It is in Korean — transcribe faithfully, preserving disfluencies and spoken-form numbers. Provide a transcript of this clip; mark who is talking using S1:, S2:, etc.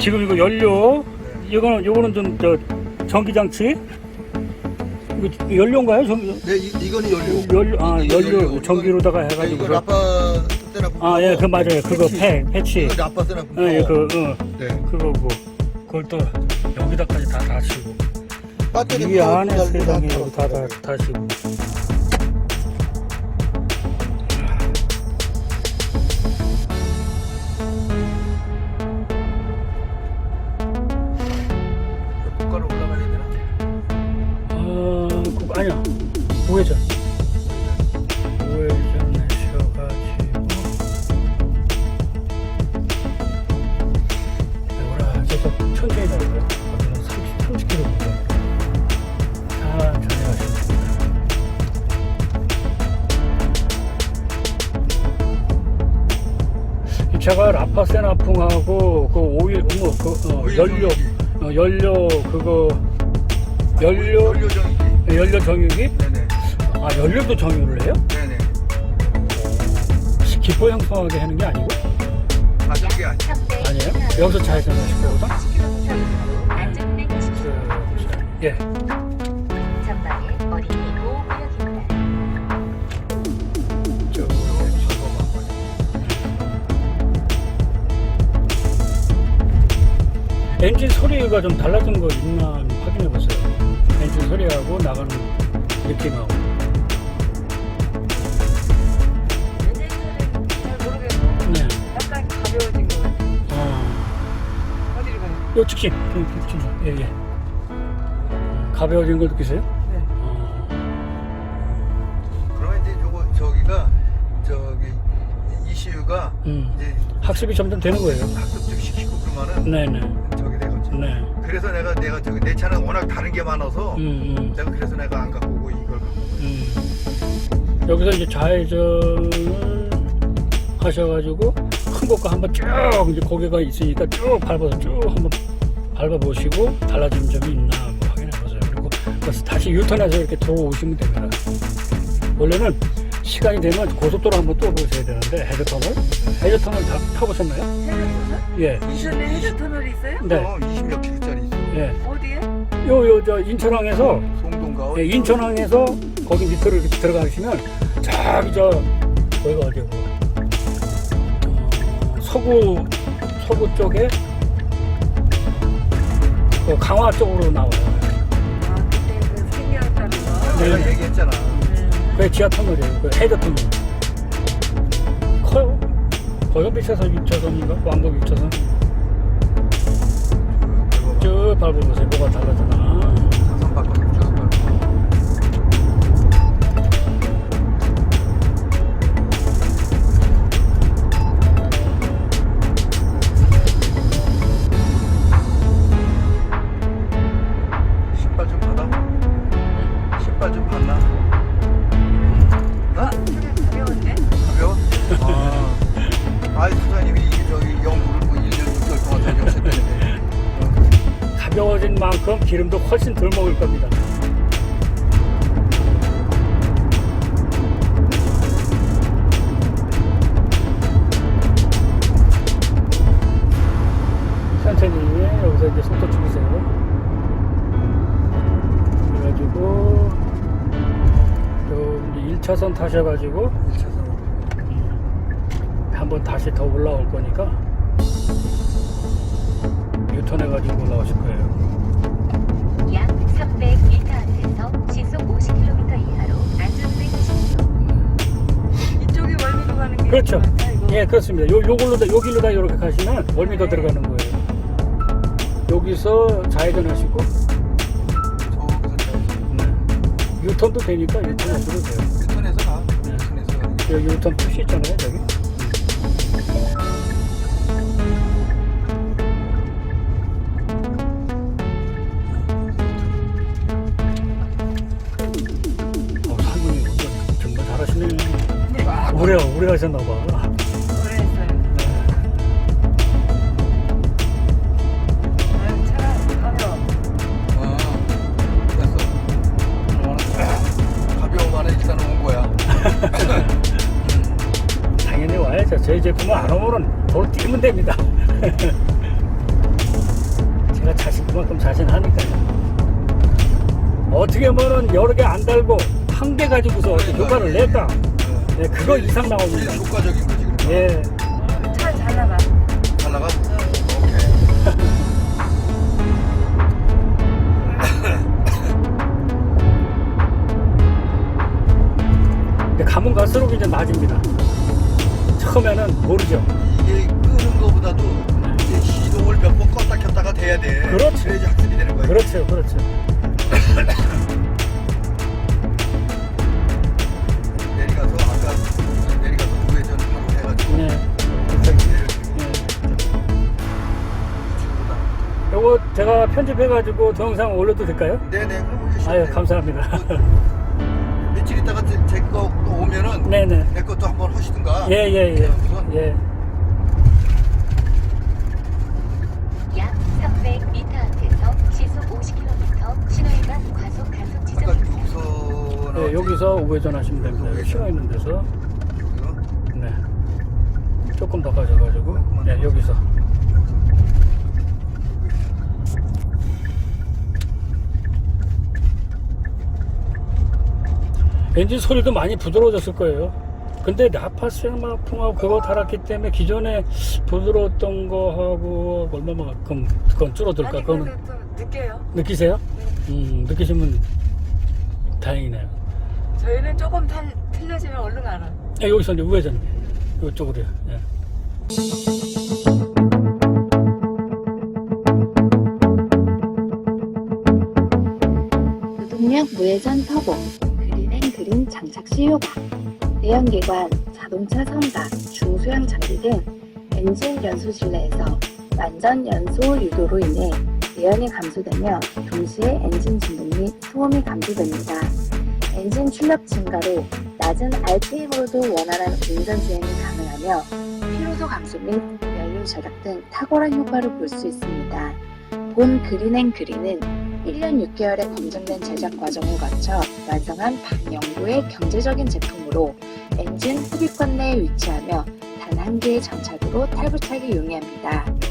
S1: 지금 이거 연료, 이거는 요거는 좀 저 전기장치. 이거 연료인가요? 전기?
S2: 네, 이, 이거는 연료.
S1: 연료, 아
S2: 이게
S1: 연료,
S2: 연료.
S1: 전기로다가
S2: 이거
S1: 해가지고.
S2: 라파 때나
S1: 아, 예, 그 맞아요. 그거 패, 패치.
S2: 이거 라파 때나
S1: 예, 예, 그, 어,
S2: 네.
S1: 그거고. 그걸 또 여기다까지 다 다시고.
S2: 배터리
S1: 이
S2: 파워
S1: 안에
S2: 달고
S1: 세상에
S2: 다
S1: 여기 다, 다 다시고.
S2: 고가로 올라가야 되나?
S1: 어, 그, 아니야. 우회전. 우회전 내셔가지고. 뭐라, 저서 천천히 가고요. 삼십, 삼십 킬로미터. 천천히 가시면 됩니다. 이 차가 라파세나풍하고 그 오일, 뭐, 그, 어,
S2: 오일
S1: 연료,
S2: 정기.
S1: 어, 연료, 그거, 연료,
S2: 연료 정기.
S1: 연료 정유기?
S2: 네네.
S1: 아, 연료도 정유를 해요?
S2: 네네.
S1: 기포 형성하게 하는 게 아니고?
S2: 아, 그게 아니.
S1: 아니에요? 여기서 좌회전 하실 거거든?
S3: 안전운행하십시오.
S1: 예.
S3: 전방에 어린이 보호구역입니다.
S1: 저, 엔진 소리가 좀 달라진 거 있나 확인해 보세요. 엔진 소리하고 나가는 느낌하고.
S4: 엔진 소리는 잘 모르겠고
S1: 네.
S4: 약간 가벼워진 것 같아요.
S1: 어,
S4: 어디로 가요?
S1: 요 직진. 좀, 좀, 좀, 예, 예. 가벼워진 걸 느끼세요?
S4: 네.
S1: 어,
S2: 그러면 이제 요거 저기가 저기 이씨유가
S1: 음.
S2: 이제
S1: 학습이 점점 되는 거예요.
S2: 학습 시키고 그러면은
S1: 네네.
S2: 저기 되겠지.
S1: 네.
S2: 그래서 내가 내가 저기 내 차는 워낙 다른 게 많아서
S1: 음, 음.
S2: 내가 그래서 내가 안 갖고 오고 이걸 갖고 오고.
S1: 음. 여기서 이제 좌회전을 하셔가지고 큰 것과 한번 쭉 이제 고개가 있으니까 쭉 밟아서 쭉 한번 밟아보시고 달라지는 점이 있나 한번 확인해보세요. 그리고 그래서 다시 유턴해서 이렇게 들어오시면 됩니다. 원래는 시간이 되면 고속도로 한번 또 보셔야 되는데 해저터널? 해저터널 다 타보셨나요?
S4: 해저터널?
S1: 예.
S4: 인천에 해저터널이 있어요?
S1: 네.
S2: 어, 이십몇 킬로짜리 있어.
S1: 예.
S4: 어디에?
S1: 요, 요, 저, 인천항에서
S2: 송동가.
S1: 예, 인천항에서 거기 밑으로 이렇게 들어가시면 저기 저 거기가 어디고 어, 서구 서구 쪽에 그 강화 쪽으로 나와요.
S4: 아 그때 그 생겼다는 거.
S2: 내가
S1: 네.
S2: 얘기했잖아.
S1: 그게 지하 터널이에요. 그 헤더 터널. 커요. 거기가 밑에서 육 차선인가? 왕복 육 차선. 쭉 밟아보세요. 뭐가 달라지나.
S2: 사선 바꿔서 쭉 밟고. 신발 좀 받아. 신발 좀 받나? 어?
S4: 차가 가벼운데?
S2: 가벼워? 아, 아이 사장님이 이게 저기 연구를 뭐 일 년 육 개월 동안 다녀오셨다는데.
S1: 가벼워진 만큼 기름도 훨씬 덜 먹을 겁니다. 천천히 여기서 이제 속도 줄이세요. 그래가지고 요 일 차선 타셔가지고
S2: 일 차선.
S1: 한번 다시 더 올라올 거니까 유턴해가지고 올라오실 거예요.
S3: 약 삼백 미터 앞에서 시속 오십 킬로미터 이하로 안전운행하십시오.
S4: 이쪽이 월미도 가는 게
S1: 그렇죠.
S4: 맞나, 이거?
S1: 예, 그렇습니다. 요, 요걸로 다, 요 길로 다 이렇게 가시면 월미도 들어가는 거예요. 여기서 좌회전 하시고,
S2: 저기서 저
S1: 네. 유턴도 되니까 유턴 하셔도 돼요.
S2: 유턴에서 가. 유턴에서 가는 게.
S1: 여기 유턴 표시 있잖아요, 저기. 어, 할머니 운전 정말 잘하시네. 오래, 오래 하셨나봐.
S4: 오래 했어요. 아유 차가 가벼워.
S2: 아, 됐어. 가벼워만 해 일단 온 거야.
S1: 당연히 와야죠. 저희 제품은 안 오면은 도로 뛰면 됩니다. 제가 자신 그만큼 자신하니까요. 어떻게 보면은 여러 개 안 달고 한 개 가지고서 어떻게 효과를 낼까? 네, 그거 이상 나옵니다.
S2: 제일 효과적인 거지 그러면.
S1: 예.
S4: 차 잘 나가.
S2: 잘 나가? 오케이.
S1: 근데 가면 갈수록 이제 나아집니다. 처음에는 모르죠.
S2: 이게 끄는 거보다도 이제 시동을 몇 번 껐다 켰다가 돼야 돼.
S1: 그렇지.
S2: 그래야지 학습이 되는 거야.
S1: 그렇죠, 그렇죠.
S2: 내려가서 아까 내려가서 우회전 바로 해가지고
S1: 네.
S2: 갑자기 내려주고
S1: 네.
S2: 친구다.
S1: 요거 제가 편집해가지고 동영상 올려도 될까요?
S2: 네네 그럼 오시면
S1: 아유,
S2: 돼요.
S1: 감사합니다.
S2: 며칠 있다가 제거 오면은
S1: 네네.
S2: 내 것도 한번 하시든가.
S1: 예, 예, 예. 예.
S3: 약 삼백 미터 앞에서 시속 오십 킬로미터 신호위반 과속 단속
S2: 아까
S3: 지점입니다.
S2: 여기서
S1: 네, 여기서 우회전 하시면 됩니다. 여기 신호 있는 데서.
S2: 여기서
S1: 네. 조금 더 가셔가지고. 네, 여기서. 엔진 소리도 많이 부드러워졌을 거예요. 근데 나파생마풍하고 그거 달았기 때문에 기존에 부드러웠던 거하고 얼마만큼 그건 줄어들까?
S4: 아니
S1: 그거는
S4: 근데 좀 느껴요.
S1: 느끼세요?
S4: 네.
S1: 음, 느끼시면 다행이네요.
S4: 저희는 조금 탈, 틀려지면 얼른 알아.
S1: 예, 여기서 이제 우회전 이쪽으로요. 예.
S5: 무동력 무회전 터보, 그린앤 그린 장착 시 효과, 내연기관, 자동차 선박, 중소형 장비 등 엔진 연소 실내에서 완전 연소 유도로 인해 내연이 감소되며 동시에 엔진 진동 및 소음이 감소됩니다. 엔진 출력 증가로 낮은 알피엠으로도 원활한 운전 주행이 가능하며 피로도 감소 및 연료 절약 등 탁월한 효과를 볼 수 있습니다. 본 그린앤 그린은 일 년 육 개월의 검증된 제작 과정을 거쳐 완성한 반영구의 경제적인 제품으로 엔진 흡입권 내에 위치하며 단 한 개의 장착으로 탈부착이 용이합니다.